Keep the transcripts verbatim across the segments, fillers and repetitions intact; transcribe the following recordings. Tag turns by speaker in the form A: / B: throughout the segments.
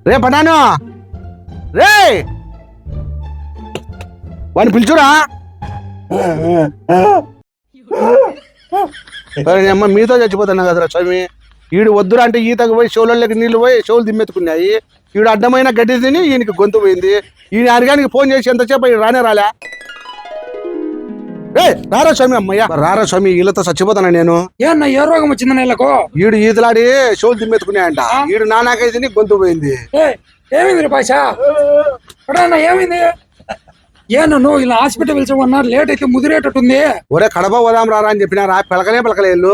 A: రే పటాను రే వాడిని పిలుచురా. అమ్మ మీతో చచ్చిపోతున్నా కదరా స్వామి. ఈడు వద్దురా అంటే ఈతకు పోయి షోలకి నీళ్లు పోయి షోలు దిమ్మెత్తుకున్నాయి. ఈడు అడ్డమైన గడ్డి తిని ఈయనకి గొంతు పోయింది. ఈయన అరిగానికి ఫోన్ చేసి ఎంతసేపు రానే రాలే. రే రారా స్వామి. అమ్మయ్య రారా స్వామి, వీళ్ళతో చచ్చిపోతానా నేను.
B: ఏమన్నా ఏ రోగం వచ్చింది నెలకు?
A: ఈడు ఈతలాడి షోలు దిమ్మెత్తుకున్నాయంట. ఈడు నానాకై తిని గొంతు పోయింది.
B: ఏమైంది భాష? ఏమైంది? ఏను నువ్వు ఇలా హాస్పిటల్ పిలిచమన్నా లేట్ అయితే ముదిరేటట్టుంది.
A: ఒరే కడప పోదాం రారా అని చెప్పినారా, పిలకలే పిలకలేళ్ళు.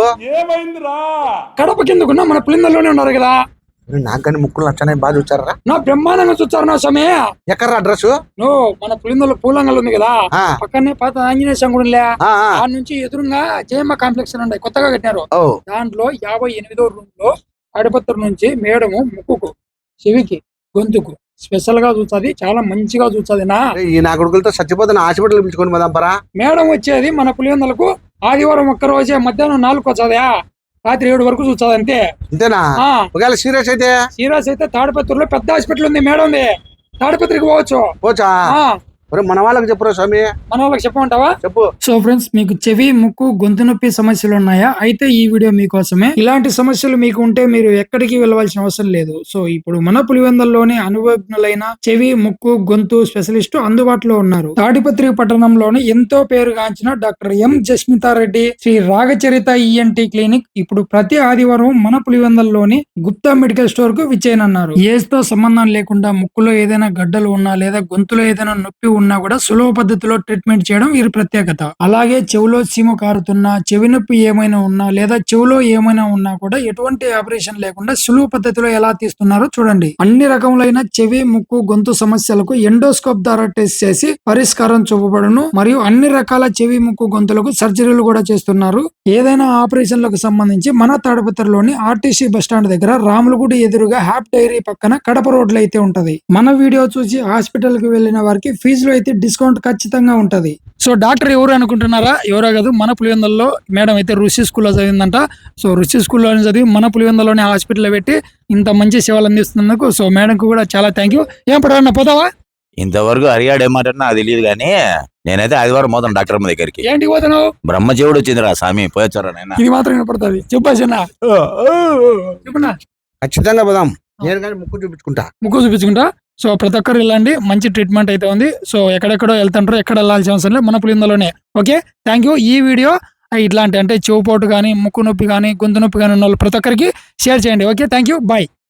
B: కడప కిందకున్నా మన పులిందల్లోనే ఉన్నారు కదా.
A: నాకు కానీ ముక్కులు నచ్చనే బాగా చూచారా?
B: నా బ్రహ్మాండంగా చూచారు నా సమయ.
A: ఎక్కడ్రా అడ్రస్?
B: నువ్వు మన పులిందల్లో పూలంగల్ ఉంది కదా, పక్కనే పాత ఆంజనేయ సంగుడిలే ఆ నుంచి ఎదురుగా జయమ్మ కాంప్లెక్స్ ఉన్నాయి, కొత్తగా కట్టినారు. దాంట్లో యాభై ఎనిమిదో రూమ్ లో అడపత్ర నుంచి మేడము ముక్కుకు, చెవికి, గొంతుకు స్పెషల్ గా చూస్తుంది. చాలా మంచిగా చూస్తుంది. నా
A: ఈ నా కొడుకులతో చచ్చిపోతున్న హాస్పిటల్ పిలుచుకొని పోదాం పరా.
B: మేడం వచ్చేది మన పులివెందులకు ఆదివారం ఒక్క రోజే మధ్యాహ్నం నాలుగు వచ్చాదా, రాత్రి ఏడు వరకు చూస్తుంది అంతే.
A: అంతేనా? ఒకవేళ సీరియస్ అయితే
B: సీరియస్ అయితే తాడిపత్రిలో పెద్ద హాస్పిటల్ ఉంది మేడం, తాడిపత్రికి పోవచ్చు.
A: పోచా? మన వాళ్ళకి చెప్పురా స్వామి.
B: మన వాళ్ళకి చెప్పమంటావా?
A: చెప్పు.
B: సో ఫ్రెండ్స్, మీకు చెవి, ముక్కు, గొంతు నొప్పి సమస్యలు ఉన్నాయా? అయితే ఈ వీడియో మీకోసమే. ఇలాంటి సమస్యలు మీకు ఉంటే మీరు ఎక్కడికి వెళ్ళవలసిన అవసరం లేదు. సో ఇప్పుడు మన పులివెందుల్లోని అనుభవజ్ఞులైన చెవి, ముక్కు, గొంతు స్పెషలిస్టు అందుబాటులో ఉన్నారు. తాడిపత్రి పట్టణంలోని ఎంతో పేరుగాంచిన doctor M Jasmitha Reddy Shri Ragacharitha ENT clinic ఇప్పుడు ప్రతి ఆదివారం మన పులివెందుల్లోని గుప్తా మెడికల్ స్టోర్ కు విచ్చేయనున్నారు. ఏజ్ తో సంబంధం లేకుండా ముక్కులో ఏదైనా గడ్డలు ఉన్నా లేదా గొంతులో ఏదైనా నొప్పి ఉన్నా కూడా సులభ పద్ధతిలో ట్రీట్మెంట్ చేయడం వీరి ప్రత్యేకత. అలాగే చెవిలో చీమ కారుతున్నా, చెవి నొప్పి ఏమైనా ఉన్నా లేదా చెవిలో ఏమైనా ఉన్నా కూడా ఎటువంటి ఆపరేషన్ లేకుండా సులువు పద్ధతిలో ఎలా తీస్తున్నారో చూడండి. అన్ని రకములైన చెవి, ముక్కు, గొంతు సమస్యలకు ఎండోస్కోప్ ద్వారా టెస్ట్ చేసి పరిష్కారం చూపబడును. మరియు అన్ని రకాల చెవి, ముక్కు, గొంతులకు సర్జరీలు కూడా చేస్తున్నారు. ఏదైనా ఆపరేషన్లకు సంబంధించి మన తాడిపత్రిలోని ఆర్టీసీ బస్టాండ్ దగ్గర రాములగుడి ఎదురుగా హ్యాప్ డైరీ పక్కన కడప రోడ్లు అయితే ఉంటది. మన వీడియో చూసి హాస్పిటల్ కి వెళ్లిన వారికి ఫీజులో అయితే డిస్కౌంట్ ఖచ్చితంగా ఉంటది. సో డాక్టర్ ఎవరు అనుకుంటున్నారా? ఎవరో కాదు, మన పులివెందుల్లో మేడం అయితే రుషి స్కూల్లో చదివిందంట. సో రుషి స్కూల్లో చదివి మన పులివెందుల్లోనే హాస్పిటల్లో పెట్టి ఇంత మంచి సేవలు అందిస్తున్నందుకు సో మేడంకు కూడా చాలా థ్యాంక్ యూ. ఏం పడవన్నా పోతావా?
C: ఇంతవరకు హరియాడు ఏమాట నాకు తెలియదు కానీ నేనైతే ఆదివారం పోతాను డాక్టర్ అమ్మ దగ్గరికి.
B: ఏంటి పోతాను?
C: బ్రహ్మజీవుడు వచ్చిందిరా స్వామి, పోయొచ్చారా నాయన?
B: ఇది మాత్రం వినపడుతుంది. చెప్పాసన్నా చెప్పనా?
A: ఖచ్చితంగా పోదాం. నేను కానీ ముక్కు చూపించుకుంటా.
B: ముక్కు చూపించుకుంటా. సో ప్రతి ఒక్కరు వెళ్ళండి, మంచి ట్రీట్మెంట్ అయితే ఉంది. సో ఎక్కడెక్కడో వెళ్తుంటారు, ఎక్కడ వెళ్ళాల్సిన అవసరం లేదు, మన పులివెందుల్లోనే. Okay, thank you. ఈ వీడియో ఇట్లాంటి అంటే చెవుపోటు కానీ, ముక్కు నొప్పి కానీ, గొంతు నొప్పి కానీ ఉన్న వాళ్ళు ప్రతి ఒక్కరికి షేర్ చేయండి. Okay, thank you, bye.